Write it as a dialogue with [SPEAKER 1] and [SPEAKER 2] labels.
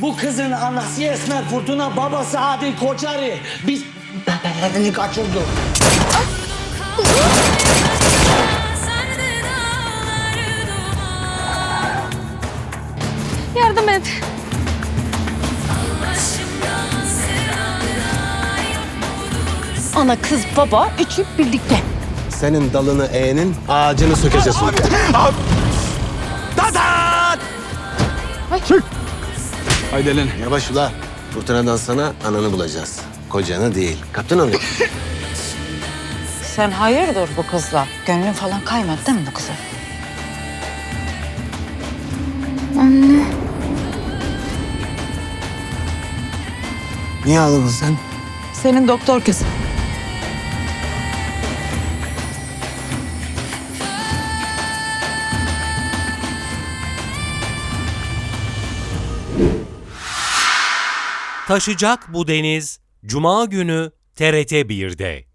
[SPEAKER 1] Bu kızın anası Esmer Fırtına, babası Adil Koçari. Biz bebeğini kaçırdık.
[SPEAKER 2] Yardım et. Ana kız baba üçü birlikte.
[SPEAKER 3] Senin dalını eğenin ağacını sökeceğiz.
[SPEAKER 4] Tatat! Haydi Elen.
[SPEAKER 3] Yavaş ula. Fırtınadan sana ananı bulacağız. Kocanı değil. Kaptın onu.
[SPEAKER 5] Sen hayırdır bu kızla? Gönlün falan kaymadı değil mi bu kıza?
[SPEAKER 3] Niye ağladın sen?
[SPEAKER 5] Senin doktor kızın.
[SPEAKER 6] Taşacak bu deniz Cuma günü TRT 1'de.